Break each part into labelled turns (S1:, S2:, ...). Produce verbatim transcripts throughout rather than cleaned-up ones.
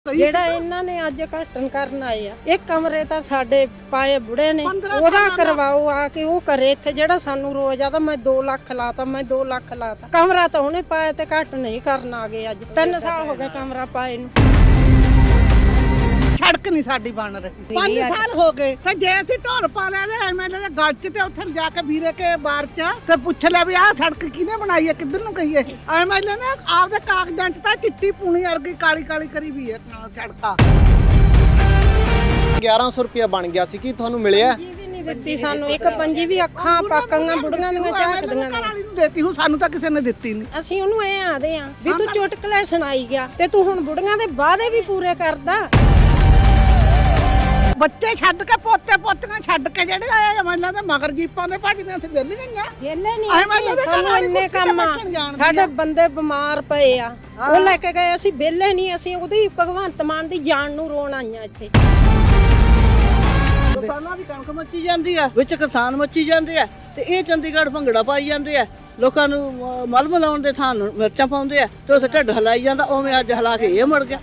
S1: ਜਿਹੜਾ ਇਹਨਾਂ ਨੇ ਅੱਜ ਘਟਨ ਕਰਨ ਆਏ ਆ ਇਹ ਕਮਰੇ ਤਾਂ ਸਾਡੇ ਪਾਏ ਬੁੜੇ ਨੇ ਉਹਦਾ ਕਰਵਾਓ ਆ ਕੇ ਉਹ ਕਰੇ ਇੱਥੇ ਜਿਹੜਾ ਸਾਨੂੰ ਰੋਜ਼ ਆਦਾ ਮੈਂ ਦੋ ਲੱਖ ਲਾਤਾ ਮੈਂ ਦੋ ਲੱਖ ਲਾਤਾ ਕਮਰਾ ਤਾਂ ਉਹਨੇ ਪਾਇਆ ਤੇ ਘਟ ਨਹੀਂ ਕਰਨ ਆ ਗਏ ਅੱਜ ਤਿੰਨ ਸਾਲ ਹੋ ਗਏ ਕਮਰਾ ਪਾਏ ਨੂੰ
S2: ਸੜਕ ਨਹੀਂ ਸਾਡੀ ਬਣ ਰਹੀ ਪੰਜ ਸਾਲ ਹੋ ਗਏ ਤੇ ਜੇ ਅਸੀਂ ਢੋਲ ਪਾ ਲਿਆ ਤੇ ਐਮਐਲਏ ਦੇ ਗੱਲ 'ਚ ਤੇ ਉੱਥੇ ਜਾ ਕੇ ਵੀਰੇ ਕੇ ਬਾਰ 'ਚ ਤੇ ਪੁੱਛ ਲਿਆ ਵੀ ਆਹ ਸੜਕ ਕਿਹਨੇ ਬਣਾਈ ਹੈ ਕਿੱਧਰ ਨੂੰ ਗਈ ਹੈ ਐਮਐਲਏ ਨੇ ਆਪਦੇ ਕਾਗਜ਼ਾਂ 'ਚ ਤਾਂ ਚਿੱਟੀ ਪੂਣੀ ਵਰਗੀ ਕਾਲੀ ਕਾਲੀ ਕਰੀ ਵੀ ਹੈ ਸੜਕਾਂ
S3: ਗਿਆਰਾਂ ਸੌ ਰੁਪਇਆ ਬਣ ਗਿਆ ਸੀ ਕੀ ਤੁਹਾਨੂੰ ਮਿਲਿਆ
S1: ਜੀ ਵੀ ਨਹੀਂ ਦਿੱਤੀ ਸਾਨੂੰ ਇੱਕ ਪੰਜੀ ਵੀ ਅੱਖਾਂ ਪਾਕਾਂ ਬੁੜੀਆਂ ਦੀਆਂ ਝਾਕਦੀਆਂ
S2: ਘਰ ਵਾਲੀ ਨੂੰ ਦੇਤੀ ਹੁਣ ਸਾਨੂੰ ਤਾਂ ਕਿਸੇ ਨੇ ਦਿੱਤੀ ਨਹੀਂ
S1: ਅਸੀਂ ਉਹਨੂੰ ਐ ਆਦੇ ਆ ਵੀ ਤੂੰ ਚੁਟਕਲੇ ਸੁਣਾਈ ਗਿਆ ਤੇ ਤੂੰ ਹੁਣ ਬੁੜੀਆਂ ਦੇ ਵਾਅਦੇ ਵੀ ਪੂਰੇ ਕਰਦਾ
S2: ਬੱਚੇ ਛੱਡ ਕੇ ਪੋਤੇ ਪੋਤੀਆਂ ਛੱਡ ਕੇ ਜਿਹੜੇ ਆਏ ਐਮਐਲਏ ਦੇ ਮਗਰ ਜੀਪਾਂ ਦੇ ਭੱਜਦੇ ਅਸੀਂ ਵਿਹਲ ਗਈਆਂ
S1: ਵਿਹਲੇ ਨਹੀਂ ਸਾਨੂੰ ਇੰਨੇ ਕੰਮ ਆ ਸਾਡੇ ਬੰਦੇ ਬਿਮਾਰ ਪਏ ਆ ਉਹ ਲੈ ਕੇ ਗਏ ਅਸੀਂ ਵਿਹਲੇ ਨਹੀਂ ਅਸੀਂ ਉਹਦੀ ਭਗਵੰਤ ਮਾਨ ਦੀ ਜਾਨ ਨੂੰ ਰੋਣ ਆਈਆਂ ਇੱਥੇ
S4: ਕਿਸਾਨਾਂ ਦੀ ਕਣਕ ਮੱਚੀ ਜਾਂਦੀ ਆ ਵਿੱਚ ਕਿਸਾਨ ਮੱਚੀ ਜਾਂਦੇ ਆ ਤੇ ਇਹ ਚੰਡੀਗੜ੍ਹ ਭੰਗੜਾ ਪਾਈ ਜਾਂਦੇ ਆ ਲੋਕਾਂ ਨੂੰ ਮਲ ਮਲਾਉਣ ਦੇ ਥਾਂ ਮਿਰਚਾਂ ਪਾਉਂਦੇ ਆ ਤੇ ਉੱਥੇ ਢਿੱਡ ਹਲਾਈ ਜਾਂਦਾ ਉਵੇਂ ਅੱਜ ਹਲਾ ਕੇ ਇਹ ਮੁੜ ਗਿਆ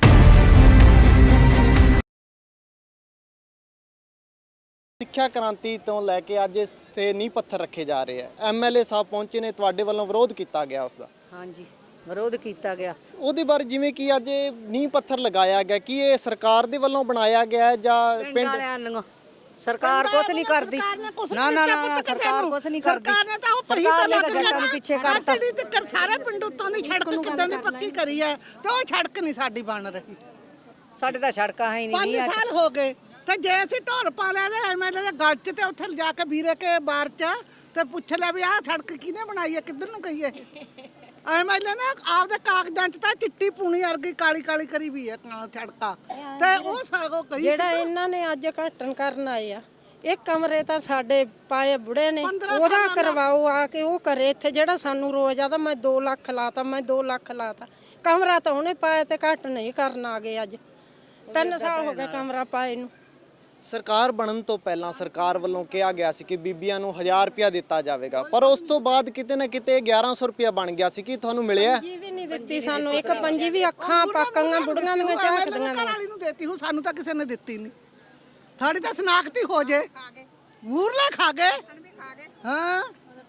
S3: ਸਿੱਖਿਆ ਕ੍ਰਾਂਤੀ ਤੋਂ ਲੈ ਕੇ ਅੱਜ ਇਸ ਤੇ ਨੀਂਹ ਪੱਥਰ ਰੱਖੇ ਜਾ ਰਹੇ ਆ ਐਮਐਲਏ ਸਾਹਿਬ ਪਹੁੰਚੇ ਨੇ ਤੁਹਾਡੇ ਵੱਲੋਂ ਵਿਰੋਧ ਕੀਤਾ ਗਿਆ ਉਸ ਦਾ
S4: ਹਾਂਜੀ ਵਿਰੋਧ ਕੀਤਾ ਗਿਆ
S3: ਉਹਦੇ ਬਾਰੇ ਜਿਵੇਂ ਕਿ ਅੱਜ ਨੀਂਹ ਪੱਥਰ ਲਗਾਇਆ ਗਿਆ ਕਿ ਇਹ ਸਰਕਾਰ ਦੇ ਵੱਲੋਂ ਬਣਾਇਆ ਗਿਆ ਜਾਂ ਪਿੰਡ
S4: ਸਰਕਾਰ ਕੁਛ ਨਹੀਂ ਕਰਦੀ
S2: ਨਾ ਨਾ ਨਾ ਸਰਕਾਰ ਕੁਛ ਨਹੀਂ ਕਰਦੀ ਸਰਕਾਰ ਨੇ ਤਾਂ ਉਹ ਪਹੀ ਤਾਂ ਲੱਗ ਗਿਆ ਪਿੱਛੇ ਕਰਤਾ ਤੇ ਸਾਰੇ ਪਿੰਡ ਉੱਤੋਂ ਦੀ ਸੜਕ ਕਿੱਦਾਂ ਦੀ ਪੱਕੀ ਕਰੀ ਹੈ ਤੇ ਉਹ ਸੜਕ ਨਹੀਂ ਸਾਡੀ ਬਣ ਰਹੀ
S4: ਸਾਡੇ ਤਾਂ ਸੜਕਾਂ ਹੈ ਹੀ ਨਹੀਂ
S2: ਪੰਜ ਸਾਲ ਹੋ ਗਏ ਤੇ ਜੇ ਅਸੀਂ ਢੋਲ ਪਾ ਲਿਆ ਤੇ ਐਮਐਲਏ ਦੇ ਗੱਲ 'ਚ ਤੇ ਉੱਥੇ ਜਾ ਕੇ ਵੀਰੇ ਕੇ ਬਾਰ 'ਚ ਤੇ ਪੁੱਛ ਲਿਆ ਵੀ ਆਹ ਸੜਕ ਕਿਹਨੇ ਬਣਾਈ ਹੈ ਕਿੱਧਰ ਨੂੰ ਗਈ ਹੈ ਐਮਐਲਏ ਨੇ ਆਪਦੇ ਕਾਗਜ਼ਾਂ 'ਚ ਤਾਂ ਚਿੱਟੀ ਪੂਣੀ ਵਰਗੀ ਕਾਲੀ ਕਾਲੀ ਕਰੀ ਵੀ ਹੈ ਸੜਕਾਂ ਤੇ ਉਹ ਸਾਗੋ ਕਰੀ
S1: ਜਿਹੜਾ ਇਹਨਾਂ ਨੇ ਅੱਜ ਘਟਨ ਕਰਨ ਆਏ ਆ ਇਹ ਕਮਰੇ ਤਾਂ ਸਾਡੇ ਪਾਏ ਬੁੜੇ ਨੇ ਉਹਦਾ ਕਰਵਾਓ ਆ ਕੇ ਉਹ ਕਰੇ ਇੱਥੇ ਜਿਹੜਾ ਸਾਨੂੰ ਰੋਜ਼ ਆਦਾ ਮੈਂ ਦੋ ਲੱਖ ਲਾਤਾ ਮੈਂ ਦੋ ਲੱਖ ਲਾਤਾ ਕਮਰਾ ਤਾਂ ਉਹਨੇ ਪਾਇਆ ਤੇ ਘਟ ਨਹੀਂ ਕਰਨ ਆ ਗਏ ਅੱਜ ਤਿੰਨ ਸਾਲ ਹੋ ਗਏ ਕਮਰਾ ਪਾਏ ਨੂੰ
S3: ਸਰਕਾਰ ਬਣਨ ਤੋਂ ਪਹਿਲਾਂ ਸਰਕਾਰ ਵੱਲੋਂ ਕਿਹਾ ਗਿਆ ਸੀ ਕਿ ਬੀਬੀਆਂ ਨੂੰ ਹਜ਼ਾਰ ਰੁਪਇਆ ਦਿੱਤਾ ਜਾਵੇਗਾ ਪਰ ਉਸ ਤੋਂ ਬਾਅਦ ਕਿਤੇ ਨਾ ਕਿਤੇ ਗਿਆਰਾਂ ਸੌ ਰੁਪਇਆ ਬਣ ਗਿਆ ਸੀ ਕੀ ਤੁਹਾਨੂੰ ਮਿਲਿਆ
S1: ਜੀ ਵੀ ਨਹੀਂ ਦਿੱਤੀ ਸਾਨੂੰ ਇੱਕ ਪੰਜੀ ਵੀ ਅੱਖਾਂ ਪਾਕਾਂ ਬੁੜੀਆਂ ਦੀਆਂ ਝਾਕਦੀਆਂ
S2: ਘਰ ਵਾਲੀ ਨੂੰ ਦੇਤੀ ਹੁਣ ਸਾਨੂੰ ਤਾਂ ਕਿਸੇ ਨੇ ਦਿੱਤੀ ਨਹੀਂ ਸਾਡੀ ਤਾਂ ਸਨਾਖਤੀ ਹੋ ਜੇ ਮੂਰਲੇ ਖਾ ਗਏ ਹਾਂ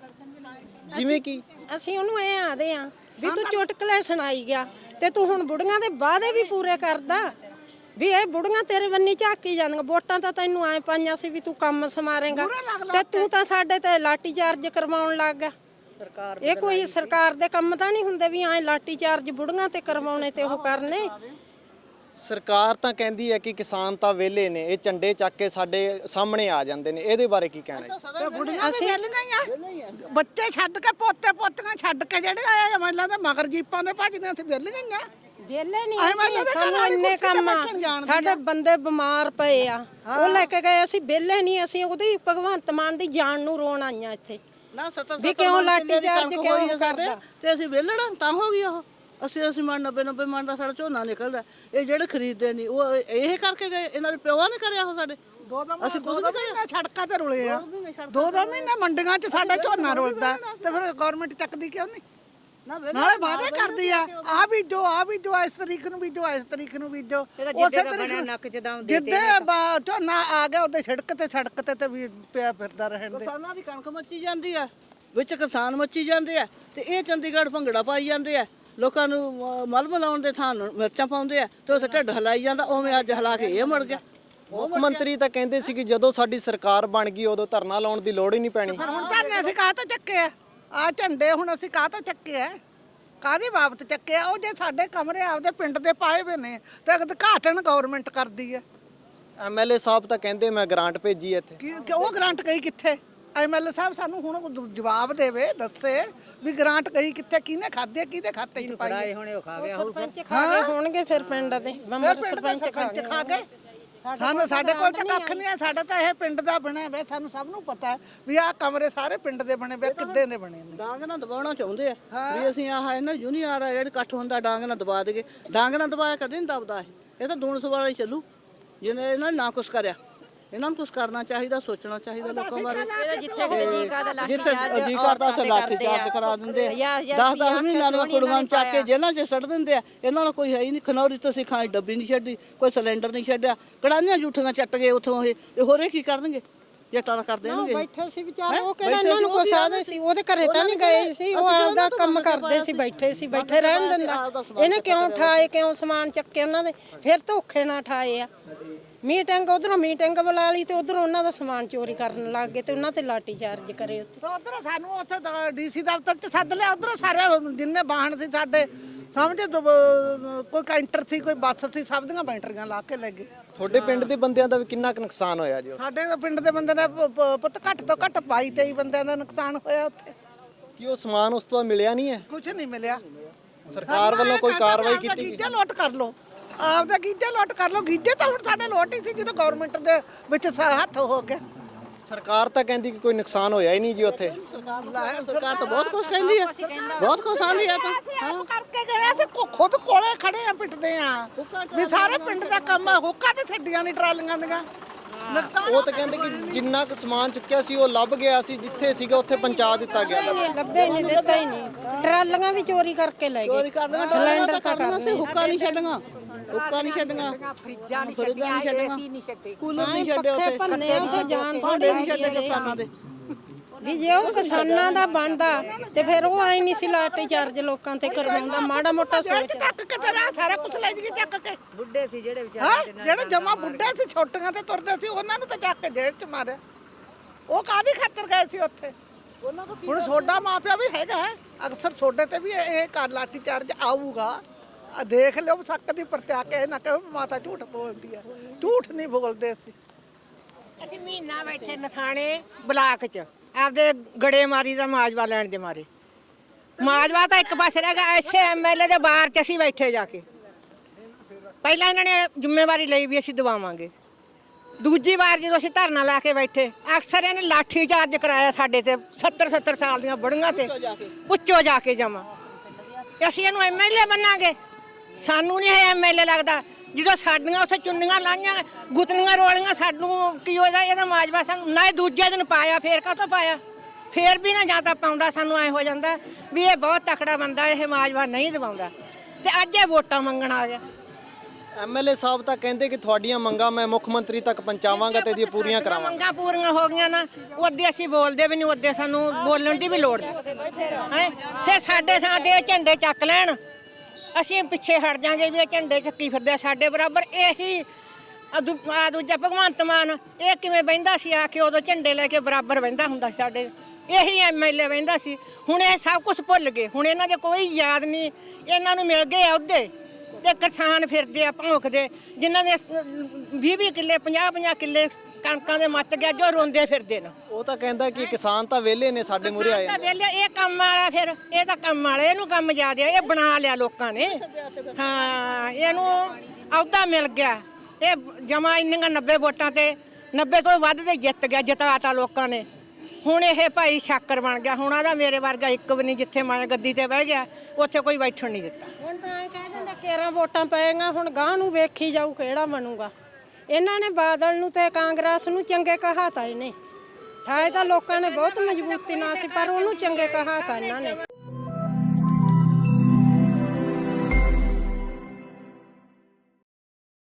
S3: ਜਿਵੇਂ ਕਿ
S1: ਅਸੀਂ ਉਹਨੂੰ ਐ ਆਦੇ ਆ ਵੀ ਤੂੰ ਚੁਟਕਲੇ ਸੁਣਾਈ ਗਿਆ ਤੇ ਤੂੰ ਹੁਣ ਬੁੜੀਆਂ ਦੇ ਵਾਅਦੇ ਵੀ ਪੂਰੇ ਕਰਦਾ ਵੀ ਇਹ ਬੁੜੀਆਂ ਤੇਰੇ ਬੰਨੀ ਝਾਕੀ ਜਾਂਦੀਆਂ ਵੋਟਾਂ ਤਾਂ ਤੈਨੂੰ ਐ ਪਾਈਆਂ ਸੀ ਵੀ ਤੂੰ ਕੰਮ ਸਮਾਰੇਂਗਾ ਤੇ ਤੂੰ ਤਾਂ ਸਾਡੇ ਤੇ ਲਾਠੀ ਚਾਰਜ ਕਰਵਾਉਣ ਲੱਗ ਗਿਆ ਸਰਕਾਰ ਇਹ ਕੋਈ ਸਰਕਾਰ ਦੇ ਕੰਮ ਤਾਂ ਨਹੀਂ ਹੁੰਦੇ ਵੀ ਐ ਲਾਠੀ ਚਾਰਜ ਬੁੜੀਆਂ ਤੇ ਕਰਵਾਉਣੇ ਤੇ ਉਹ ਕਰਨੇ
S3: ਸਰਕਾਰ ਤਾਂ ਕਹਿੰਦੀ ਹੈ ਕਿ ਕਿਸਾਨ ਤਾਂ ਵਿਹਲੇ ਨੇ ਇਹ ਝੰਡੇ ਚੱਕ ਕੇ ਸਾਡੇ ਸਾਹਮਣੇ ਆ ਜਾਂਦੇ ਨੇ ਇਹਦੇ ਬਾਰੇ ਕੀ ਕਹਿਣਾ ਹੈ
S2: ਤੇ ਬੁੜੀਆਂ ਵੀ ਵਿਹਲ ਗਈਆਂ ਬੱਚੇ ਛੱਡ ਕੇ ਪੋਤੇ ਪੋਤੀਆਂ ਛੱਡ ਕੇ ਜਿਹੜੇ ਆਏ ਐਮਐਲਏ ਦੇ ਮਗਰ ਜੀਪਾਂ ਦੇ ਭੱਜਦੇ ਅਸੀਂ ਵਿਹਲ ਗਈਆਂ
S1: ਵਿਹਲੇ ਨਹੀਂ ਸਾਨੂੰ ਇੰਨੇ ਕੰਮ ਆ ਸਾਡੇ ਬੰਦੇ ਬਿਮਾਰ ਪਏ ਆ ਉਹ ਲੈ ਕੇ ਗਏ ਅਸੀਂ ਵਿਹਲੇ ਨਹੀਂ ਅਸੀਂ ਉਹਦੀ ਭਗਵੰਤ ਮਾਨ ਦੀ ਜਾਨ ਨੂੰ ਰੋਣ ਆਈਆਂ ਇੱਥੇ
S4: ਨਾ ਸੱਤ
S1: ਵੀ ਕਿਉਂ ਲਾਠੀ ਚਾਰਜ ਕਿਉਂ ਕਰਦਾ
S4: ਤੇ ਅਸੀਂ ਵਿਹਲੜਾ ਤਾਂ ਹੋ ਗਈ ਉਹ ਅਸੀਂ ਅਸੀਂ ਮਨ ਨੱਬੇ ਨੱਬੇ ਮਨ ਦਾ ਸਾਡਾ ਝੋਨਾ ਨਿਕਲਦਾ ਇਹ ਜਿਹੜੇ ਖਰੀਦਦੇ ਨਹੀਂ ਉਹ ਇਹ ਕਰਕੇ ਗਏ ਇਹਨਾਂ ਦੇ ਪਿਓਾਂ ਨੇ ਕਰਿਆ ਉਹ ਸਾਡੇ
S2: ਦੋ ਦੋ ਅਸੀਂ ਦੋ ਦੋ ਮਹੀਨੇ ਸੜਕਾਂ ਤੇ ਰੁਲੇ ਆ ਦੋ ਦੋ ਮਹੀਨੇ ਮੰਡੀਆਂ 'ਚ ਸਾਡਾ ਝੋਨਾ ਰੁਲਦਾ ਤੇ ਫਿਰ ਗਵਰਨਮੈਂਟ ਚੱਕਦੀ ਕਿਉਂ ਨਹੀਂ ਨਾਲੇ ਵਾਅਦੇ ਕਰਦੀ ਆ ਆ ਵੀ ਜੋ ਆ ਵੀ ਜੋ ਇਸ ਤਰੀਕ ਨੂੰ ਵੀ ਜੋ ਇਸ ਤਰੀਕ ਨੂੰ ਵੀ ਜੋ ਉਸੇ ਤਰੀਕ ਜਿੱਦੇ ਝੋਨਾ ਆ ਗਿਆ ਉਹਦੇ ਸੜਕ ਤੇ ਸੜਕ ਤੇ ਤੇ ਵੀ ਪਿਆ ਫਿਰਦਾ ਰਹਿਣ ਦੇ
S4: ਕਿਸਾਨਾਂ ਦੀ ਕਣਕ ਮੱਚੀ ਜਾਂਦੀ ਆ ਵਿੱਚ ਕਿਸਾਨ ਮੱਚੀ ਜਾਂਦੇ ਆ ਤੇ ਇਹ ਚੰਡੀਗੜ੍ਹ ਭੰਗੜਾ ਪਾਈ ਜਾਂਦੇ ਆ ਲੋਕਾਂ ਨੂੰ ਮਲ ਮਲਾਉਣ ਦੇ ਥਾਂ ਮਿਰਚਾਂ ਪਾਉਂਦੇ ਆ ਤੇ ਉੱਥੇ ਢਿੱਡ ਹਲਾਈ ਜਾਂਦਾ ਉਵੇਂ ਅੱਜ ਹਲਾ ਕੇ ਇਹ ਮੁੜ ਗਿਆ
S3: ਮੁੱਖ ਮੰਤਰੀ ਤਾਂ ਕਹਿੰਦੇ ਸੀ ਕਿ ਜਦੋਂ ਸਾਡੀ ਸਰਕਾਰ ਬਣ ਗਈ ਉਦੋਂ ਧਰਨਾ ਲਾਉਣ ਦੀ ਲੋੜ ਹੀ ਨਹੀਂ ਪੈਣੀ
S2: ਹੁਣ ਧਰਨੇ ਅਸੀਂ ਕਾਹ ਤੋਂ ਚੱਕੇ ਆ ਆ ਝੰਡੇ ਹੁਣ ਅਸੀਂ ਕਾਹ ਤੋਂ ਚੱਕੇ ਆ ਕਾਹਦੀ ਬਾਬਤ ਚੱਕੇ ਆ ਉਹ ਜੇ ਸਾਡੇ ਕਮਰੇ ਆਪਦੇ ਪਿੰਡ ਦੇ ਪਾਏ ਹੋਏ ਨੇ ਤੇ ਉਦਘਾਟਨ ਗਵਰਨਮੈਂਟ ਕਰਦੀ ਹੈ
S3: ਐਮਐਲਏ ਸਾਹਿਬ ਤਾਂ ਕਹਿੰਦੇ ਮੈਂ ਗ੍ਰਾਂਟ ਭੇਜੀ ਇੱਥੇ
S2: ਕਿ ਉਹ ਗ੍ਰਾਂਟ ਗਈ ਕਿੱਥੇ ਐਮਐਲਏ ਸਾਹਿਬ ਸਾਨੂੰ ਹੁਣ ਜਵਾਬ ਦੇਵੇ ਦੱਸੇ ਵੀ ਗ੍ਰਾਂਟ ਗਈ ਕਿੱਥੇ ਕਿਹਨੇ ਖਾਧੇ ਕਿਹਦੇ ਖਾਤੇ 'ਚ ਪਾਈ
S4: ਹੁਣੇ ਉਹ ਖਾ ਗਿਆ
S1: ਸਰਪੰਚ ਖਾ ਗਏ ਹੋਣਗੇ ਫਿਰ ਪਿੰਡ ਦੇ ਮੈਂਬਰ ਸਰਪੰਚ
S2: ਖਾ ਗਏ ਸਾਨੂੰ ਸਾਡੇ ਕੋਲ ਤਾਂ ਕੱਖ ਨਹੀਂ ਹੈ ਸਾਡਾ ਤਾਂ ਇਹ ਪਿੰਡ ਦਾ ਬਣਿਆ ਹੋਇਆ ਸਾਨੂੰ ਸਭ ਨੂੰ ਪਤਾ ਵੀ ਆਹ ਕਮਰੇ ਸਾਰੇ ਪਿੰਡ ਦੇ ਬਣੇ ਹੋਏ ਕਿੱਦੇ ਦੇ ਬਣੇ ਨੇ
S4: ਡਾਂਗ ਨਾਲ ਦਬਾਉਣਾ ਚਾਹੁੰਦੇ ਆ ਵੀ ਅਸੀਂ ਆਹ ਇਹਨਾਂ ਯੂਨੀਅਰ ਆ ਜਿਹੜੇ ਇਕੱਠ ਹੁੰਦਾ ਡਾਂਗ ਨਾਲ ਦਬਾ ਦੇਗੇ ਡਾਂਗ ਨਾਲ ਦਬਾਇਆ ਕਦੇ ਨਹੀਂ ਦਬਦਾ ਇਹ ਇਹ ਤਾਂ ਦੂਣ ਸਵਾਲਾ ਹੀ ਚੱਲੂ ਜਿਹਨੇ ਇਹਨਾਂ ਨੇ ਨਾ ਕੁਛ ਕਰਿਆ ਇਹਨਾਂ ਨੂੰ ਕੁਝ ਕਰਨਾ ਚਾਹੀਦਾ, ਸੋਚਣਾ ਚਾਹੀਦਾ ਲੋਕਾਂ ਬਾਰੇ।
S5: ਜਿੱਥੇ ਕਿਤੇ ਜੀ ਕਰਦਾ ਲਾਠੀ
S4: ਜਿੱਥੇ
S5: ਚਾਰਜ
S4: ਜੀ ਕਰਦਾ ਉੱਥੇ ਲਾਠੀ ਚਾਰਜ ਕਰਾ ਦਿੰਦੇ ਆ। ਦਸ ਦਸ ਮਹੀਨਿਆਂ ਦੀਆਂ ਕੁੜੀਆਂ ਨੂੰ ਚੱਕ ਕੇ ਜੇਲ੍ਹਾਂ 'ਚ ਸੁੱਟ ਦਿੰਦੇ ਆ। ਇਹਨਾਂ ਨੂੰ ਕੋਈ ਹੈ ਹੀ ਨਹੀਂ। ਖਨੌਰੀ ਤੋਂ ਸਿਖਾਈ ਡੱਬੀ ਨਹੀਂ ਛੱਡੀ, ਕੋਈ ਸਿਲੰਡਰ ਨਹੀਂ ਛੱਡਿਆ, ਕੜਾਹੀਆਂ ਜੂਠੀਆਂ ਚੱਟ ਗਏ ਉੱਥੋਂ। ਇਹ ਇਹ ਹੋਰੇ ਕੀ ਕਰਨਗੇ? ਜੱਟਾਂ ਦਾ ਕਰ ਦੇਣਗੇ।
S1: ਬੈਠੇ ਸੀ ਵਿਚਾਰੇ, ਉਹ ਕਿਹੜਾ ਇਹਨਾਂ ਨੂੰ ਕੁਛ ਆਦੇ ਸੀ? ਉਹਦੇ ਘਰੇ ਤਾਂ ਨਹੀਂ ਗਏ ਸੀ, ਉਹ ਆਪਦਾ ਕੰਮ ਕਰਦੇ ਸੀ, ਬੈਠੇ ਸੀ, ਬੈਠੇ ਰਹਿਣ ਦਿੰਦਾ। ਇਹਨੇ ਕਿਉਂ ਠਾਏ, ਕਿਉਂ ਸਮਾਨ ਚੱਕੇ ਉਹਨਾਂ ਦੇ? ਫਿਰ ਧੋਖੇ ਨਾਲ ਠਾਏ ਆ। ਮੀਟਿੰਗ ਉਧਰੋਂ ਮੀਟਿੰਗ ਬੁਲਾ ਲਈ ਤੇ ਉਧਰੋਂ ਉਹਨਾਂ ਦਾ ਸਮਾਨ ਚੋਰੀ ਕਰਨ ਲੱਗ ਗਏ ਤੇ ਉਹਨਾਂ ਤੇ ਲਾਠੀ ਚਾਰਜ ਕਰੇ ਉੱਥੇ।
S2: ਉਧਰੋਂ ਸਾਨੂੰ ਉੱਥੇ ਡੀਸੀ ਦਫ਼ਤਰ 'ਚ ਸੱਦ ਲਿਆ। ਉਧਰੋਂ ਸਾਰੇ ਜਿੰਨੇ ਵਾਹਨ ਸੀ ਸਾਡੇ, ਸਮਝ ਕੋਈ ਕੈਂਟਰ ਸੀ, ਕੋਈ ਬੱਸ ਸੀ, ਸਭ ਦੀਆਂ ਬੈਟਰੀਆਂ ਲਾ ਕੇ ਲੈ ਗਏ।
S3: ਤੁਹਾਡੇ ਪਿੰਡ ਦੇ ਬੰਦਿਆਂ ਦਾ ਵੀ ਕਿੰਨਾ ਕੁ ਨੁਕਸਾਨ ਹੋਇਆ ਜੀ?
S2: ਸਾਡੇ ਪਿੰਡ ਦੇ ਬੰਦੇ ਨੇ ਪ- ਪ- ਪੁੱਤ ਘੱਟ ਤੋਂ ਘੱਟ ਬਾਈ ਤੇਈ ਬੰਦਿਆਂ ਦਾ ਨੁਕਸਾਨ ਹੋਇਆ ਉੱਥੇ।
S3: ਕੀ ਉਹ ਸਮਾਨ ਉਸ ਤੋਂ ਬਾਅਦ ਮਿਲਿਆ ਨਹੀਂ ਹੈ?
S2: ਕੁਝ ਨਹੀਂ ਮਿਲਿਆ।
S3: ਸਰਕਾਰ ਵੱਲੋਂ ਕੋਈ ਕਾਰਵਾਈ ਕੀਤੀ ਗਈ?
S2: ਗੀਜੇ ਲੋਟ ਕਰ ਲੋ, ਆਪਦਾ ਗੀਜੇ ਲੋਟ ਕਰ ਲੋ। ਗੀਜੇ ਤਾਂ ਹੁਣ ਸਾਡੇ ਲੋਟ ਹੀ ਸੀ ਜਦੋਂ ਗਵਰਨਮੈਂਟ ਦੇ ਵਿੱਚ ਸ- ਹੱਥ ਹੋ ਗਿਆ।
S3: ਸਰਕਾਰ ਤਾਂ ਕਹਿੰਦੀ ਕਿ ਕੋਈ ਨੁਕਸਾਨ ਹੋਇਆ ਹੀ ਨਹੀਂ ਜੀ ਉੱਥੇ।
S4: ਸਰਕਾਰ ਤਾਂ ਬਹੁਤ ਕੁਝ ਕਹਿੰਦੀ ਆ, ਬਹੁਤ ਕੁਝ ਆਂਦੀ ਆ। ਤਾਂ
S2: ਹਾਂ ਕਰਕੇ ਗਏ ਅਸੀਂ ਖੁ- ਖੁਦ ਕੋਲੇ ਖੜੇ ਆ, ਪਿੱਟਦੇ ਆ ਵੀ ਸਾਰੇ ਪਿੰਡ ਦਾ ਕੰਮ ਆ। ਹੁੱਕਾ ਤੇ ਛੱਡੀਆਂ ਨਹੀਂ ਟਰਾਲੀਆਂ ਦੀਆਂ। ਨੁਕਸਾਨ
S3: ਉਹ ਤਾਂ ਕਹਿੰਦੇ ਕਿ ਜਿੰਨਾ ਕੁ ਸਮਾਨ ਚੁੱਕਿਆ ਸੀ ਉਹ ਲੱਭ ਗਿਆ ਸੀ, ਜਿੱਥੇ ਸੀਗਾ ਉੱਥੇ ਪਹੁੰਚਾ ਦਿੱਤਾ ਗਿਆ।
S1: ਨਹੀਂ ਲੱਭੇ ਨਹੀਂ, ਦਿੱਤਾ ਹੀ ਨਹੀਂ। ਟਰਾਲੀਆਂ ਵੀ ਚੋਰੀ ਕਰਕੇ ਲੈ
S4: ਚੋਰੀ
S1: ਗਏ।
S4: ਕਰ ਲੈਣਾ, ਸਿਲੰਡਰ ਤਾਂ ਕਰਨਾ ਸੀ। ਹੁੱਕਾ ਨਹੀਂ ਛੱਡਣਾ, ਹੁੱਕਾ ਨਹੀਂ ਛੱਡਣਾ,
S6: ਫਰਿੱਜਾਂ ਨਹੀਂ ਛੱਡੀਆਂ, ਏਸੀ ਨਹੀਂ ਛੱਡੇ,
S4: ਕੂਲਰ ਨਹੀਂ ਛੱਡੇ ਉੱਥੇ,
S1: ਭੰਨੇ ਉੱਥੇ ਜਾਣ
S4: ਭਾਂਡੇ ਨਹੀਂ ਛੱਡੇ ਕਿਸਾਨਾਂ ਦੇ।
S1: ਵੀ ਜੇ ਉਹ ਕਿਸਾਨਾਂ ਦਾ ਬਣਦਾ ਤੇ ਫਿਰ ਉਹ ਆਈ ਨਹੀਂ ਸੀ ਲਾਠੀ ਚਾਰਜ ਲੋਕਾਂ ਤੇ ਕਰਵਾਉਂਦਾ। ਮਾੜਾ ਮੋਟਾ ਸੋਚ।
S2: ਚੱਕ ਕੇ ਤੇਰਾ ਸਾਰਾ ਕੁਝ ਲੈ ਜੀ ਚੱਕ ਕੇ।
S6: ਬੁੱਢੇ ਸੀ ਜਿਹੜੇ ਵਿਚਾਰੇ
S2: ਹਾਂ ਜਿਹੜੇ ਜਮਾ ਬੁੱਢੇ ਸੀ, ਛੋਟੀਆਂ ਤੇ ਤੁਰਦੇ ਸੀ, ਉਹਨਾਂ ਨੂੰ ਤਾਂ ਚੱਕ ਕੇ ਜੇਲ੍ਹ 'ਚ ਮਾਰਿਆ। ਉਹ ਕਾਹਦੀ ਖਾਤਰ ਗਏ ਸੀ ਉੱਥੇ? ਹੁਣ ਛੋਡਾ ਮਾਪਿਆ ਵੀ ਹੈਗਾ, ਅਕਸਰ ਛੋਡੇ ਤੇ ਵੀ ਇਹ ਕਰ ਲਾਠੀ ਚਾਰਜ ਆਊਗਾ। ਆ ਦੇਖ ਲਿਓ ਸੱਕ ਦੀ ਪਰਤਿਆ ਕੇ ਨਾ ਕਹੋ ਮਾਤਾ ਝੂਠ ਬੋਲਦੀ ਆ। ਝੂਠ ਨਹੀਂ ਬੋਲਦੇ ਸੀ।
S6: ਅਸੀਂ ਮਹੀਨਾ ਬੈਠੇ ਨਥਾਣੇ ਬਲਾਕ 'ਚ ਆਪਦੇ ਗੜੇਮਾਰੀ ਦਾ ਮਾਜਵਾ ਲੈਣ ਦੇ ਮਾਰੇ। ਮਾਜਵਾ ਤਾਂ ਇੱਕ ਪਾਸੇ ਰਹਿ ਗਿਆ, ਐਸੇ ਐਮਐਲਏ ਦੇ ਬਾਹਰ 'ਚ ਅਸੀਂ ਬੈਠੇ ਜਾ ਕੇ। ਪਹਿਲਾਂ ਇਹਨਾਂ ਨੇ ਜ਼ਿੰਮੇਵਾਰੀ ਲਈ ਵੀ ਅਸੀਂ ਦਵਾਵਾਂਗੇ। ਦੂਜੀ ਵਾਰ ਜਦੋਂ ਅਸੀਂ ਧਰਨਾ ਲਾ ਕੇ ਬੈਠੇ, ਅਕਸਰ ਇਹਨੇ ਲਾਠੀ ਚਾਰਜ ਕਰਾਇਆ ਸਾਡੇ ਤੇ। ਸੱਤਰ ਸੱਤਰ ਸਾਲ ਦੀਆਂ ਬੁੜੀਆਂ ਤੇ ਪੁੱਛੋ ਜਾ ਕੇ ਜਮਾ। ਅਸੀਂ ਇਹਨੂੰ ਐਮਐਲਏ ਬਣਾਂਗੇ? ਸਾਨੂੰ ਨਹੀਂ ਇਹ ਐਮਐਲਏ ਲੱਗਦਾ। ਜਦੋਂ ਸਾਡੀਆਂ ਉੱਥੇ ਚੁੰਨੀਆਂ ਲਾਈਆਂ, ਗੁੱਤਨੀਆਂ ਰੋਲੀਆਂ, ਸਾਨੂੰ ਕੀ ਹੋਇਆ? ਇਹਦਾ ਮਾਜਵਾ ਸਾਨੂੰ ਨਾ ਦੂਜੇ ਦਿਨ ਪਾਇਆ, ਫੇਰ ਕਾਹਤੋਂ ਪਾਇਆ? ਫੇਰ ਵੀ ਨਾ ਜਾਂ ਤਾਂ ਪਾਉਂਦਾ, ਸਾਨੂੰ ਐ ਹੋ ਜਾਂਦਾ ਵੀ ਇਹ ਬਹੁਤ ਤਕੜਾ ਬੰਦਾ, ਇਹ ਮਾਜਵਾ ਨਹੀਂ ਦਵਾਉਂਦਾ। ਤੇ ਅੱਜ ਇਹ ਵੋਟਾਂ ਮੰਗਣ ਆ ਗਿਆ।
S3: ਐਮਐਲਏ ਸਾਹਿਬ ਤਾਂ ਕਹਿੰਦੇ ਕਿ ਤੁਹਾਡੀਆਂ ਮੰਗਾਂ ਮੈਂ ਮੁੱਖ ਮੰਤਰੀ ਤੱਕ ਪਹੁੰਚਾਵਾਂਗਾ ਤੇ ਇਹਦੀਆਂ ਪੂਰੀਆਂ ਕਰਾਵਾਂਗਾ।
S1: ਮੰਗਾਂ ਪੂਰੀਆਂ ਹੋ ਗਈਆਂ ਨਾ, ਉਹਦੇ ਅਸੀਂ ਬੋਲਦੇ ਵੀ ਨਹੀਂ, ਉਹਦੇ ਸਾਨੂੰ ਬੋਲਣ ਦੀ ਵੀ ਲੋੜ ਨਹੀਂ ਹੈ। ਫਿਰ ਸਾਡੇ ਥਾਂ ਤੇ ਇਹ ਝੰਡੇ ਚੱਕ ਲੈਣ, ਅਸੀਂ ਪਿੱਛੇ ਹਟ ਜਾਾਂਗੇ ਵੀ ਇਹ ਝੰਡੇ ਚੱਕੀ ਫਿਰਦੇ ਸਾਡੇ ਬਰਾਬਰ। ਇਹੀ ਆ ਦੂ- ਆ ਦੂਜਾ ਭਗਵੰਤ ਮਾਨ, ਇਹ ਕਿਵੇਂ ਬਹਿੰਦਾ ਸੀ ਆ ਕੇ? ਉਦੋਂ ਝੰਡੇ ਲੈ ਕੇ ਬਰਾਬਰ ਬਹਿੰਦਾ ਹੁੰਦਾ ਸੀ ਸਾਡੇ। ਇਹੀ ਐਮਐਲਏ ਬਹਿੰਦਾ ਸੀ। ਹੁਣ ਇਹ ਸਭ ਕੁਝ ਭੁੱਲ ਗਏ। ਹੁਣ ਇਹਨਾਂ ਦੇ ਕੋਈ ਯਾਦ ਨਹੀਂ। ਇਹਨਾਂ ਨੂੰ ਮਿਲ ਗਏ ਅਹੁਦੇ ਤੇ ਕਿਸਾਨ ਫਿਰਦੇ ਆ ਭੌਂਕਦੇ, ਜਿਨ੍ਹਾਂ ਦੇ ਵੀਹ ਵੀਹ ਕਿੱਲੇ, ਪੰਜਾਹ ਪੰਜਾਹ ਕਿੱਲੇ ਕਣਕਾਂ ਦੇ ਮੱਚ ਗਿਆ, ਜੋ ਰੋਂਦੇ ਫਿਰਦੇ ਨੇ।
S3: ਉਹ ਤਾਂ ਕਹਿੰਦਾ ਕਿ ਕਿਸਾਨ ਤਾਂ ਵਿਹਲੇ ਨੇ, ਸਾਡੇ ਮੂਹਰੇ ਆਏ ਨੇ।
S1: ਵੇਲੇ ਇਹ ਕੰਮ ਵਾਲਾ, ਫਿਰ ਇਹ ਤਾਂ ਕੰਮ ਵਾਲਾ, ਇਹਨੂੰ ਕੰਮ ਜ਼ਿਆਦਾ, ਇਹ ਬਣਾ ਲਿਆ ਲੋਕਾਂ ਨੇ। ਹਾਂ ਇਹਨੂੰ ਅਹੁਦਾ ਮਿਲ ਗਿਆ। ਇਹ ਜਮਾ ਇੰਨੀਆਂ ਨੱਬੇ ਵੋਟਾਂ ਤੇ ਨੱਬੇ ਤੋਂ ਵੱਧ ਦੇ ਜਿੱਤ ਗਿਆ, ਜਿਤਾਤਾ ਲੋਕਾਂ ਨੇ। ਹੁਣ ਇਹ ਭਾਈ ਸ਼ਾਕਰ ਬਣ ਗਿਆ। ਹੁਣ ਆਦਾ ਮੇਰੇ ਵਰਗਾ ਇੱਕ ਵੀ ਨਹੀਂ, ਜਿੱਥੇ ਮੈਂ ਗੱਦੀ ਤੇ ਬਹਿ ਗਿਆ ਉੱਥੇ ਕੋਈ ਬੈਠਣ ਨਹੀਂ ਦਿੱਤਾ। ਹੁਣ ਤਾਂ ਇਹ ਕਹਿ ਦਿੰਦਾ ਕੇਰਾਂ ਵੋਟਾਂ ਪਏਗਾ, ਹੁਣ ਗਾਂ ਨੂੰ ਵੇਖੀ ਜਾਊ ਕਿਹੜਾ ਬਣੂਗਾ। ਇਹਨਾਂ ਨੇ ਬਾਦਲ ਨੂੰ ਤੇ ਕਾਂਗਰਸ ਨੂੰ ਚੰਗੇ ਕਹਾਤਾ। ਇਹਨੇ ਠਾਏ ਤਾਂ ਲੋਕਾਂ ਨੇ ਬਹੁਤ ਮਜ਼ਬੂਤੀ ਨਾਲ ਸੀ, ਪਰ ਉਹਨੂੰ ਚੰਗੇ ਕਹਾਤਾ ਇਹਨਾਂ ਨੇ।